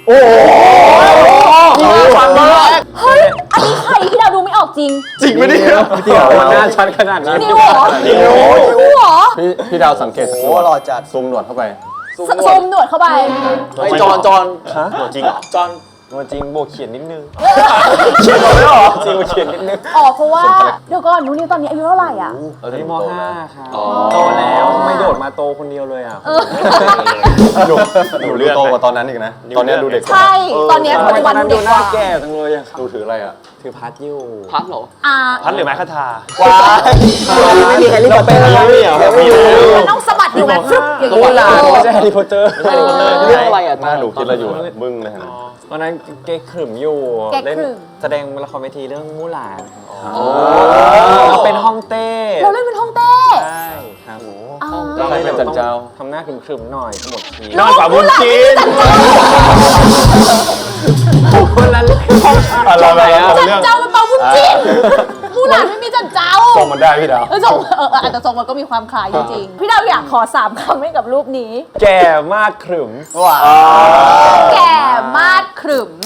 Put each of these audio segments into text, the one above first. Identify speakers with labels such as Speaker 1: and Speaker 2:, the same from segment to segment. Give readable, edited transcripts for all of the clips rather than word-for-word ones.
Speaker 1: โอ้โหฟังมาก
Speaker 2: เฮ้ยอันนี้ใครที่เราดูไม่ออกจริง
Speaker 1: จริงไหมเนี่ย
Speaker 3: พี่ดาวหน้าชัดขนาดนี้
Speaker 2: นิวเหรอนิวเหรอ
Speaker 3: พี่ดาวสังเกต
Speaker 1: โอ้หล่อจัด
Speaker 3: ซูมหนวดเข้าไป
Speaker 2: ซูมหนวดเข้าไป
Speaker 1: จอนหล่อจริงเหรอจอน
Speaker 3: ตัวจริงบวกเขียนนิดนึง
Speaker 1: เขียนหมดเลยเหรอ
Speaker 3: จริงบวกเขียนนิดนึง
Speaker 2: อ๋อเพราะว่าเดี๋ยวก่อนนิวตอนนี้อายุเท่าไหร่อ่ะ
Speaker 3: ตอนนี้ม.5 ครับโตแล้วทำไมโดดมาโตคนเดียวเลยอ่ะหนูเลือกโตกว่าตอนนั้นอีกนะตอนนี้ดูเด็ก
Speaker 2: ใช่ตอนนี้ปัจจุบันดูเด็กกว่า
Speaker 3: แก่จังเลยอ่ะดูถืออะไรอ่ะถือพัดอยู่
Speaker 1: พัดเหรอ
Speaker 3: พัดหรือไม้คาถา
Speaker 1: ว้ายไม่มีใครรีบเป็นอะไรไม่รู้
Speaker 2: มันต้องสะบัดอยู่แบบฟึบอย่างนี้เลย
Speaker 3: ไม่ใช่แฮร์รี่พอตเตอร์
Speaker 1: ไม่ใช่เรื่องอะไรอ่ะ
Speaker 3: หน้าหนูคิดอะไรอยู่บึ้งเลยนะตอนนั้นเก๊กขรึมอยู่เล่นแสดงละครเวทีเรื่องมู่หลานเราเป็นฮ่องเต้
Speaker 2: เราเล่นเป็นฮ่องเต้
Speaker 3: ใช่ครับ
Speaker 2: เรา
Speaker 3: เลยเป็นจันเจ้าทำหน้าขรึมๆหน่อยทั้งหมดที
Speaker 2: นอนกับบุญจีน
Speaker 3: คนละเรื่องอะไรอ่ะ
Speaker 2: จันเจ้าเป็นเปาบุญจีนมู่หลานไม่มีจันเจ้า
Speaker 3: ส่งมันได้พี่ดาว
Speaker 2: ส่งอาจจะส่งมันก็มีความคล้ายจริงๆพี่ดาวอยากขอ3 คำให้กับรูปนี้
Speaker 3: แก่มากขรึม
Speaker 1: ว้า
Speaker 2: แก่มาดขรึม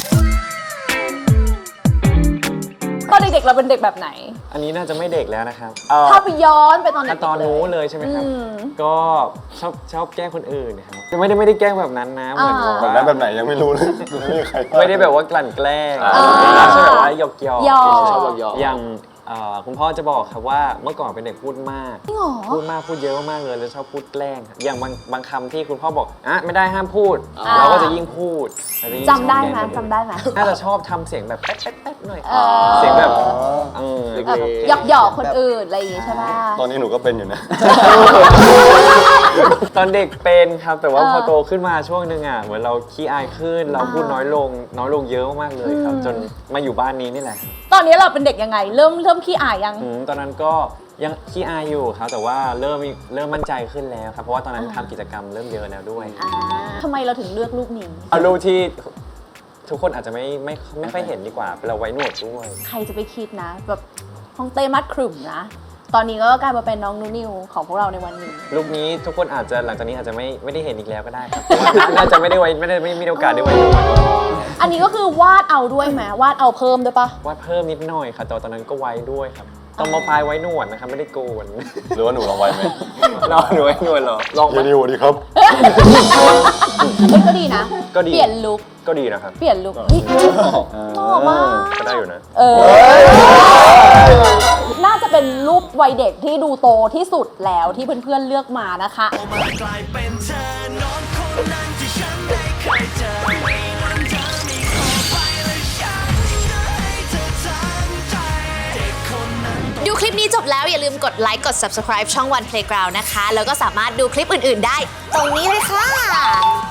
Speaker 2: ตอนเด็กๆเราเป็นเด็กแบบไหน
Speaker 3: อันนี้น่าจะไม่เด็กแล้วนะครับ
Speaker 2: ถ้าไปย้อนไปตอนเด็กๆ
Speaker 3: ตอนนู้นเลยใช่ไหมครับ
Speaker 2: อืม
Speaker 3: ก็ชอบแกล้งคนอื่นนะครับไม่ได้แกล้งแบบนั้นนะเหมือนแบบนั้นแบบไหนยังไม่รู้เลยไม่ได้แบบว่ากลั่นแกล้งใช่แบบว่าหยอกๆ
Speaker 1: ชอบหยอก
Speaker 3: อย่างคุณพ่อจะบอกครับว่าเมื่อก่อนเป็นเด็กพูดมาก
Speaker 2: จริงเหรอ
Speaker 3: พูดเยอะมากเลยแล้วชอบพูดแกล้งอย่างบางคำที่คุณพ่อบอกไม่ได้ห้ามพูดเราก็จะยิ่งพูด
Speaker 2: จำได้ไหมจำได้ไหม
Speaker 3: น่าจะชอบทำเสียงแบบแป๊ดๆหน่อยเสียงแบบ
Speaker 2: หยอกคนอื่นอะไรอย่างงี้ใช่ไหม
Speaker 3: ตอนนี้หนูก็เป็นอยู่นะ ตอนเด็กเป็นครับแต่ว่าพอโตขึ้นมาช่วงนึงอ่ะเหมือนเราขี้อายขึ้นเราพูดน้อยลงเยอะมากเลยครับจนมาอยู่บ้านนี้นี่แหละ
Speaker 2: ตอนนี้เราเป็นเด็กยังไงเริ่มขี้อายยัง
Speaker 3: ตอนนั้นก็ยังขี้อายอยู่ครับแต่ว่าเริ่มมั่นใจขึ้นแล้วครับเพราะว่าตอนนั้นทำกิจกรรมเริ่มเยอะแล้วด้วย
Speaker 2: ทำไมเราถึงเลือกรูปนี้
Speaker 3: เอารูปที่ทุกคนอาจจะไม่ค่อยเห็นดีกว่าเราไว้หนวดด้วย
Speaker 2: ใครจะไปคิดนะแบบฮ่องเต้มัดขรึมนะตอนนี้ก็กลายมาเป็นน้องนูนิวของพวกเราในวันนี้
Speaker 3: รูปนี้ทุกคนอาจจะหลังจากนี้อาจจะไม่ได้เห็นอีกแล้วก็ได้ครับเพราะว่าน่าจะไม่มีโอกาสได้ไว้หนวด
Speaker 2: อันนี้ก็คือวาดเอาด้วยไหมวาดเอาเพิ่มด้วยปะ
Speaker 3: วาดเพิ่มนิดหน่อยค่ะแต่ตอนนั้นก็ไว้ด้วยครับตอนม.ปลายไว้หนวดนะครับไม่ได้โกนหรือว่าหนูลองไว้ไหมหนูไว้หนวดเหรอลองนิวดีครับ
Speaker 2: เฮ้ยก็ดีนะ
Speaker 3: ก็ดี
Speaker 2: เปลี่ยนลุค
Speaker 3: ก็ดีนะครับ
Speaker 2: เปลี่ยนลุคเฮ้ยหล่อมาก
Speaker 3: ก็ได้อยู่นะ
Speaker 2: น่าจะเป็นรูปวัยเด็กที่ดูโตที่สุดแล้วที่เพื่อนๆเลือกมานะคะ
Speaker 4: ดูคลิปนี้จบแล้วอย่าลืมกดไลค์กด subscribe ช่อง One Playground นะคะแล้วก็สามารถดูคลิปอื่นๆได้ตรงนี้เลยค่ะ